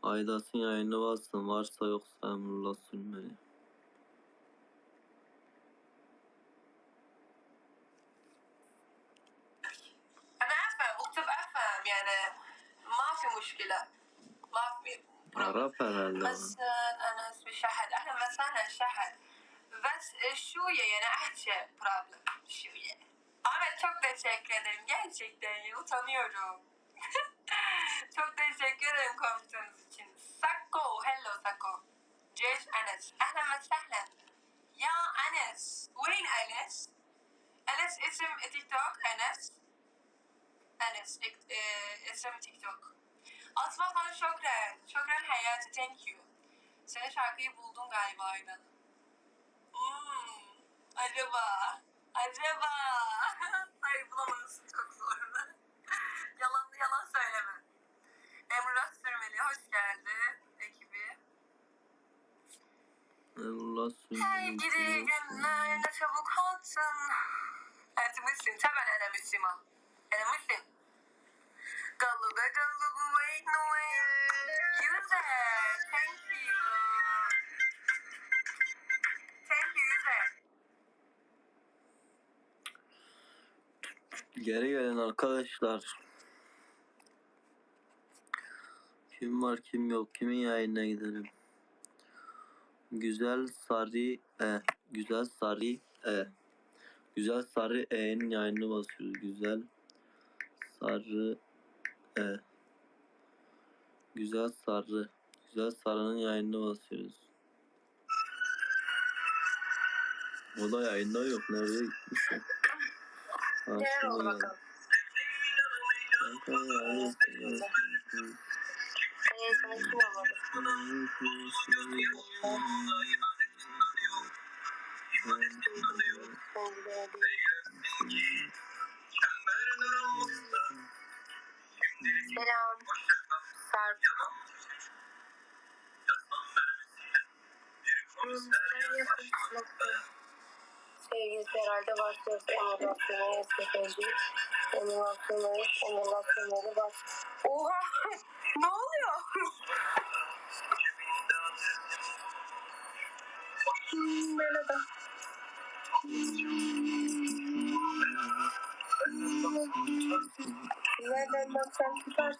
Aydas'ın yayını bastım. Varsa yoksa Emrullah Sülmeli. أنا عارفة اكتب أفهم يعني ما في مشكلة ما في Arap herhalde. بس أنا اسمي شهد أهلا وسهلا شهد بس şuye yani ahçe problem şuye. Ahmet çok teşekkür ederim gerçekten ya utanıyorum. Çok teşekkür ederim komutanınız için. Sakko, hello Sakko. Ceş Enes. Ahlan ve sahlen. Ya Enes. Weyn Enes? Enes isim TikTok Enes. Enes isim TikTok. Asma falan şokran. Şokran hayatı thank you. Senin şarkıyı buldum galiba aynen. Acaba. Hayır bulamazsın çok zor. Yalan söyleme. Emrullah Sürmeli hoş geldin ekibi. Emrullah Sülmeli. Hey gidi günler ne çabuk olsun. Evet Müslüm tabii ana Müslüm. Ana Müslüm. Galuga wait no way. User thank you. Thank you user. Geri gelin arkadaşlar. Kim var kim yok. Kimin yayınına gidelim. Güzel Sarı Güzel Sarı E'nin yayını basıyoruz. Güzel Sarı'nın yayını basıyoruz. O da yayında yok. Nereye gitmişsin? Gel oldu bakalım. Sana kim olmadı? Selam. Sarp. Sevgilisi herhalde başlıyorsa emulasyonu SSG. Emulasyonları bak. Oha! Ne oluyor? Merhaba. Nereden baksan tutarsın.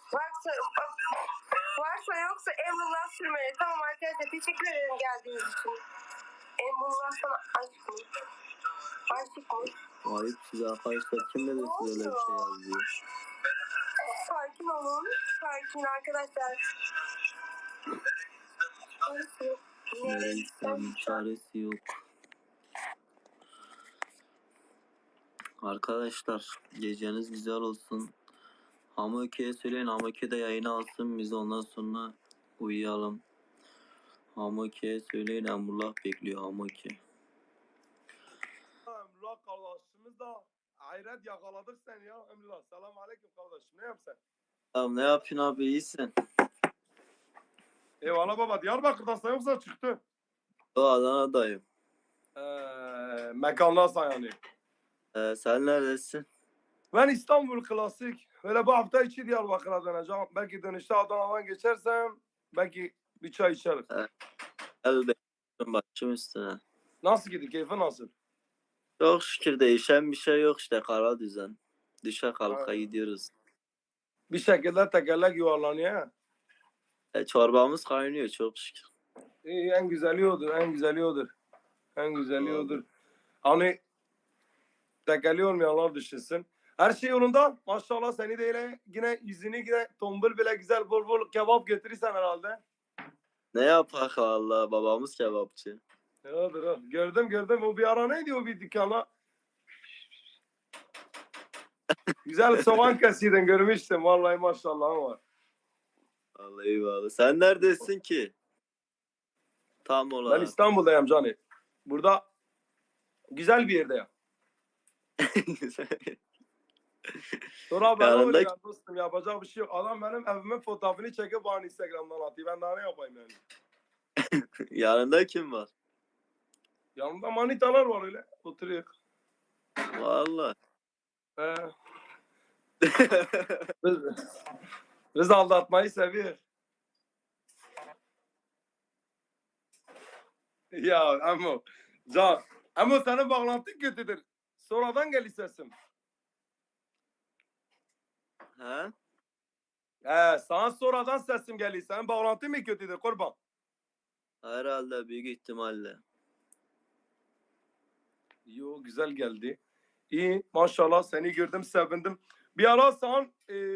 Varsa yoksa Emrullah Sürmeli. Tamam arkadaşlar teşekkür ederim geldiğiniz için. Emrullah sana aşk mı? Aşık mı? Ayıp size arkadaşlar. Kim dedi size öyle bir şey yazıyor? Sakin olun. Sakin arkadaşlar. Nereysem çaresi yok. Arkadaşlar geceniz güzel olsun. Hamuki'ye söyleyin. Hamuki de yayını alsın. Biz ondan sonra uyuyalım. Hamuki'ye söyleyin. Emrullah bekliyor Hamuki. Emrullah kardeşimiz de hayret yakaladık sen ya Emrullah. Selamun aleyküm kardeşim. Ne yapsın? Tamam ne yapıyorsun abi iyisin? Eyvallah baba. Diyarbakır'dasın yoksa çıktı. O Adana'dayım. Mekandasın yani. Sen neredesin? Ben İstanbul klasik. Öyle bu hafta içi Diyarbakır'a döneceğim. Belki dönüşte Adana'dan geçersem belki bir çay içeriz. El bekliyorum başım üstüne. Nasıl gidiyor? Keyfi nasıl? Çok şükür değişen bir şey yok işte kara düzen. Düşe kalka Ha. gidiyoruz. Bir şekilde tekerlek yuvarlanıyor. Çorbamız kaynıyor çok şükür. İyi, en güzeli odur. En güzeli odur. En güzeli odur. Hani tekelli olmayanlar düşünsün. Her şey yolunda. Maşallah seni de yine yüzünü yine tombul bile güzel bol bol kebap götürürsen herhalde. Ne yapak valla babamız kebapçı. Odur o. Gördüm. O bir ara neydi o bir dükkana? Güzel soğan kesiydin görmüştüm. Vallahi maşallah var. Vallahi eyvallah. Sen neredesin ki? Tam Ben olarak. İstanbul'dayım cani. Burada güzel bir yerdeyim. Sonra ben Yanında- öyle dostum yapacak bir şey yok. Adam benim evimin fotoğrafını çekip bana Instagram'dan atıyor. Ben daha ne yapayım yani? Yanında kim var? Yanımda manitalar var öyle. Oturuyor. Valla. Biz aldatmayı seviyor. Ya Emo. Can. Emo senin bağlantın kötüdür. Sonradan gel sesim. He? Sana sonradan sesim geliyor. Senin bağlantın mı kötüdür kurban? Herhalde büyük ihtimalle. Yo güzel geldi. İyi maşallah seni gördüm sevindim. Bir ara sen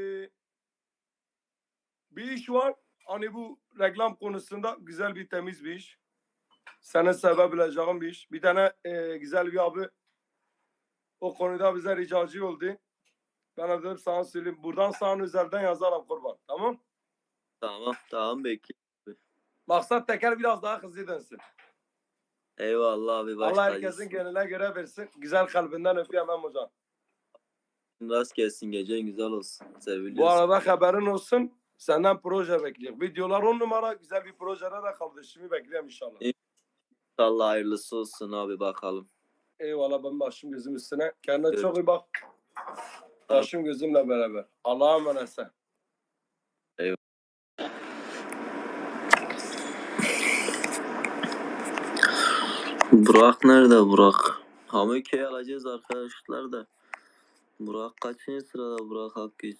bir iş var. Hani bu reklam konusunda güzel bir temiz bir iş. Senin sevebileceğin bir iş. Bir tane güzel bir abi o konuda bize ricacı oldu. Ben de dedim sana söyleyeyim. Buradan sana özelden yazarım kurban. Tamam. Tamam bekliyorum. Maksat teker biraz daha hızlı dönsün. Eyvallah abi baş Allah herkesin tacısın. gönlüne göre versin. Güzel kalbinden öpüyorum Mem hocam. Rast gelsin gecen güzel olsun. Bu Seviliyorsun. arada haberin olsun. Senden proje bekliyorum. Videolar 10 numara güzel bir projede de kardeşimi bekliyorum inşallah. İnşallah hayırlısı olsun abi bakalım. Eyvallah ben başım gözüm üstüne. Kendine Görüşürüz. çok iyi bak. Başım gözümle beraber. Allah'a emanet sen. Burak nerede Burak? Hamöke'yi alacağız arkadaşlar da. Burak kaçıncı sırada Burak Akgüz?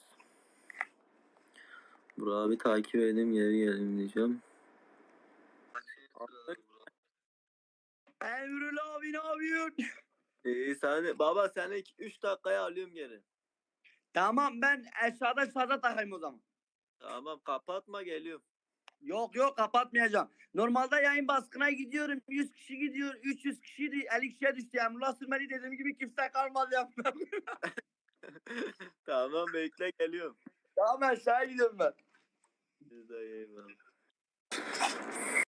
Burak'ı bir takip edeyim geri geleyim diyeceğim. Emrullah abi ne yapıyorsun? İyi sen baba seni 3 dakikaya alıyorum geri. Tamam ben aşağıda şarja takayım o zaman. Tamam kapatma geliyorum. Yok kapatmayacağım. Normalde yayın baskına gidiyorum. 100 kişi gidiyor. 300 kişi 50 kişiye düştü. Emrullah Sürmeli dediğim gibi kimse kalmadı ya. Tamam bekle geliyorum. Tamam aşağıya gidiyorum ben. Siz de eyvallah.